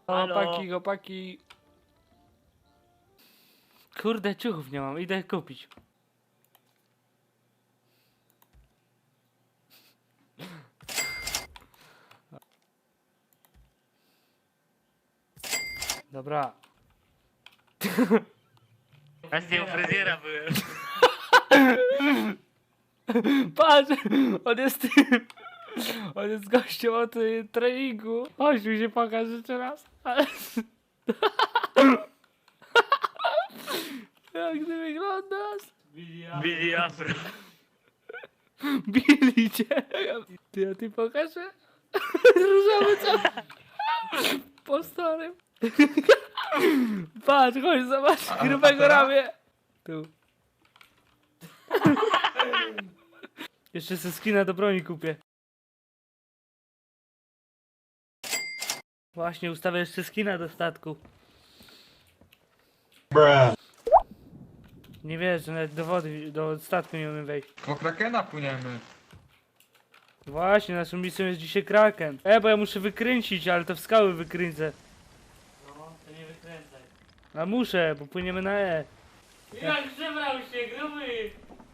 Chłopaki, chłopaki. Kurde, ciuchów nie mam, idę kupić. Dobra. Właśnie u fryzjera byłem. Patrz, on jest tym. On jest gościem od treningu. Chodź, mi się pokaż jeszcze raz. Jak ty wyglądasz? Billy Afro. Bili cię. Ty, a ty pokażę? Różowy co? Po starym. Patrz, chodź, zobacz grubego ramię. Tu. Jeszcze se skina do broni kupię. Właśnie, ustawię jeszcze skina do statku. Nie wiesz, że nawet do wody, do statku nie umiem wejść. Po Krakena płyniemy. Właśnie, naszą misją jest dzisiaj Kraken. Bo ja muszę wykręcić, ale to w skały wykręcę. No, to nie wykręcaj. A muszę, bo płyniemy na E. Jak żebrał się, gruby!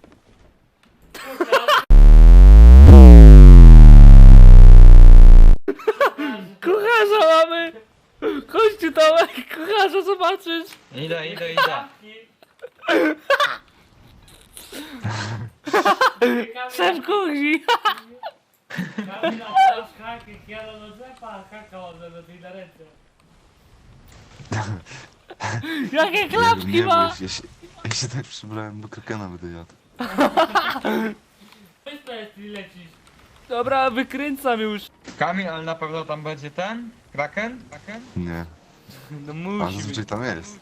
Kucharza mamy! Chodź tu Tomek, kucharza zobaczysz! Idę. Szef kuchni! Kamila, teraz haky, kielo do drzewa, haka ładne do tej na ręce. Jakie klapki ma! Ja się tak przybrałem, do Krakena będę jadł. Wyspę jest i lecisz. Dobra, wykręcam już. Kamil, ale na pewno tam będzie ten? Kraken? Nie, No a musi zazwyczaj być. tam jest.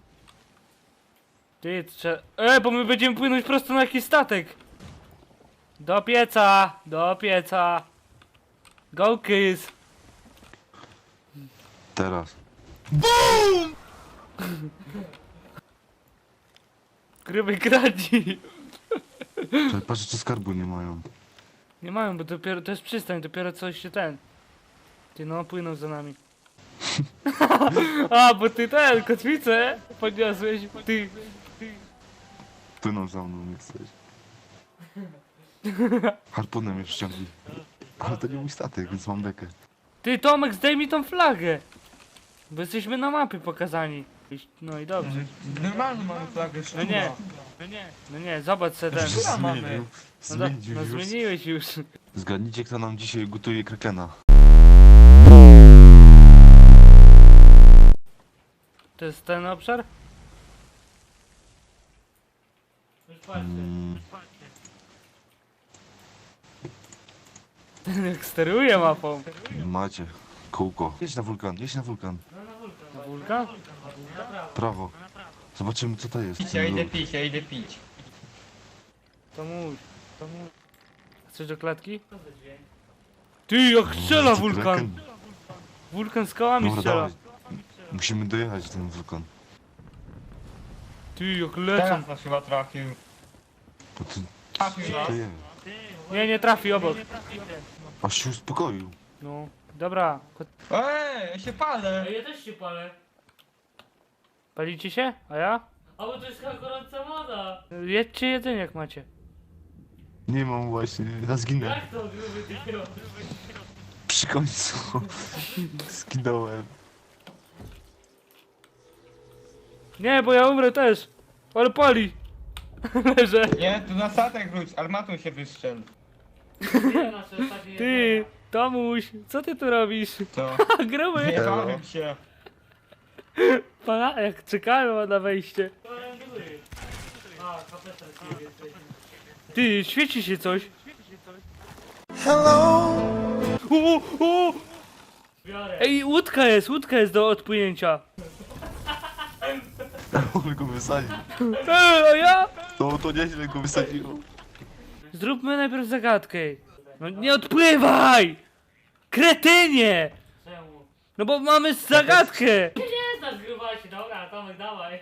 Ty, trzeba... bo my będziemy płynąć prosto na jakiś statek. Do pieca, do pieca. Go kiss. Teraz. Gruby kradzi. Czekaj, patrzę, czy skarbu nie mają. Nie mają, bo dopiero, to jest przystań, dopiero coś się ten. Ty no, płyną za nami. A, bo ty ten, kotwicę podniosłeś, ty. Płyną za mną, nie chcesz. Harpunem mnie ściągnij. Ale to nie mój statek, więc mam bekę. Ty Tomek, zdejmij tą flagę. Bo jesteśmy na mapie pokazani. No i dobrze. Normalnie mamy flagę No nie. No nie, zobacz se ten. Która mamy? No, no Zmienił już. zmieniłeś już. Zgadnijcie, kto nam dzisiaj gotuje Krakena. To jest ten obszar? Już patrzcie, Mm, już patrzcie. Ten jak steruje mapą. macie. Kółko. Jedź na wulkan, jedź na wulkan. No na wulkan. Na wulkan? Na prawo. Prawo. Na prawo. Zobaczymy, co to jest. Ja idę pić. To mój. To mój. Chcesz do klatki? Co za dźwięk? Ty, jak strzela Macie wulkan! Kraken? Wulkan z kołami Dobra, strzela. dawaj. Musimy dojechać ten wulkan. Ty, jak lecą. Teraz nas chyba trafił. Bo to, Trafił nas. to jest. Nie, nie trafi obok. Aż się uspokoił. No, dobra. Ja się palę. No ja też się palę. Palicie się? A ja? A bo to jest chyba gorąca woda. Jedźcie jedzenie jak macie. Nie mam właśnie, ja zginę. Jak to gruby ty robisz? Przy końcu zginąłem. Nie, bo ja umrę też. Ale pali. Leżę. Nie, tu na statek wróć, armatą się wystrzel. Nie nasze ostatnie Ty, jedzenie. Tomuś, co ty tu robisz? Co? Gruby. Nie bawię się. Pana, jak czekałem na wejście. To rangeluję. A, kapetan ciebie jesteś. Ty, świeci się coś. O! Biorę. Ej, łódka jest do odpłynięcia. Ale go wysadził. A ja? To nieźle go wysadziło. Zróbmy najpierw zagadkę. No nie odpływaj! Kretynie! Czemu? No bo mamy zagadkę! Nie znasz grubasie, dobra, Tomek, dawaj.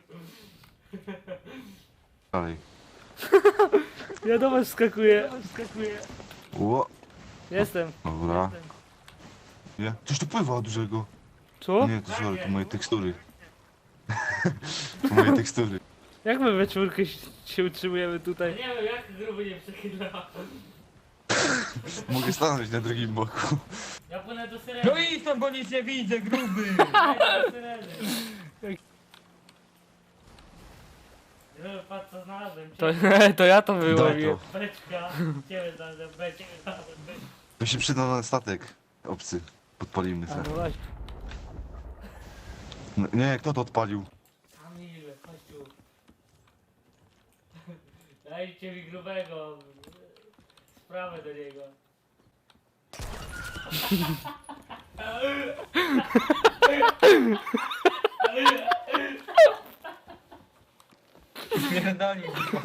Dalej. Ja do was wskakuję. Ło. Jestem. Dobra. Nie? Coś tu pływa dużego. Co? Nie, to sorry, to moje tekstury. To moje tekstury. Jak my we czwórkę się utrzymujemy Ja tutaj? nie wiem, jak gruby nie przechyla. Mogę stanąć na drugim boku. Ja płynę do syreny. No idź tam, bo nic nie widzę, gruby! Ja do syreny. Patrz co znalazłem. To, to ja to Daj wyłowię. to. Beczka. Ciebie znalazłem, beczkę. To się przyda na statek. Obcy. Podpalimy A, se. no właśnie. No, nie, kto to odpalił? Kamil, chodź tu. Dajcie mi grubego. Sprawę do niego. Pierdoli.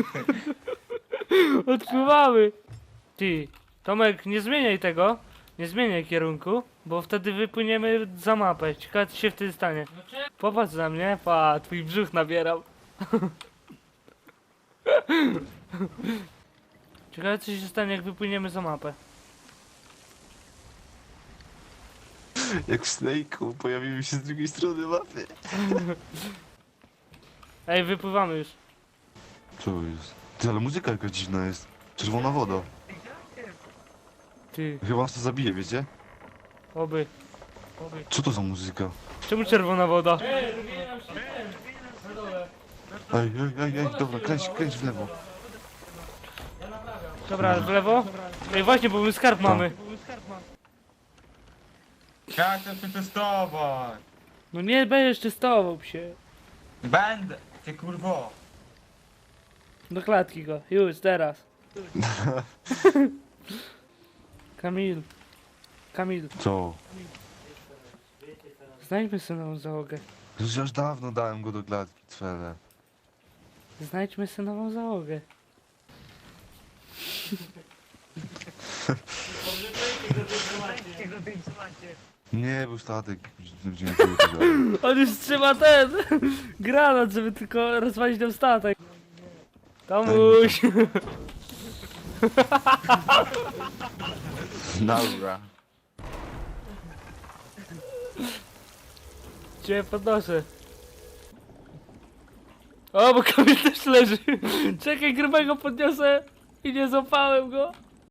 Odpływamy. Ty, Tomek, nie zmieniaj tego. Nie zmieniaj kierunku, bo wtedy wypłyniemy za mapę. Ciekawe co się wtedy stanie. No czemu? Popatrz na mnie, pa, twój brzuch nabierał. Ciekawe co się stanie jak wypłyniemy za mapę. Jak w Snake'u pojawimy się z drugiej strony mapy. Ej, wypływamy już. Co jest? Ty, ale muzyka jakaś dziwna jest. Czerwona woda. Ty, Chyba nas to zabije, wiecie? oby. Co to za muzyka? Czemu czerwona woda? Robię nam się ten. Na dole. Ej, dobra, kręć w lewo. Ja naprawiam. Dobra, w lewo? Ej, właśnie, bo my skarb mamy. Ja chcę przetestować. No nie będziesz czystował się. Będę. Ty kurwo. Do klatki go, już, teraz. Kamil. Kamil, Co? znajdźmy sobie nową załogę. Już dawno dałem go do klatki, cwele. Znajdźmy sobie nową załogę. Nie, był statek. Będziemy tego dalej. On już trzyma ten granat, żeby tylko rozwalić nam statek. Tomuś! Dobra. Cię podnoszę. O, bo Kamil też leży. Czekaj, grubego podniosę i nie złapałem go.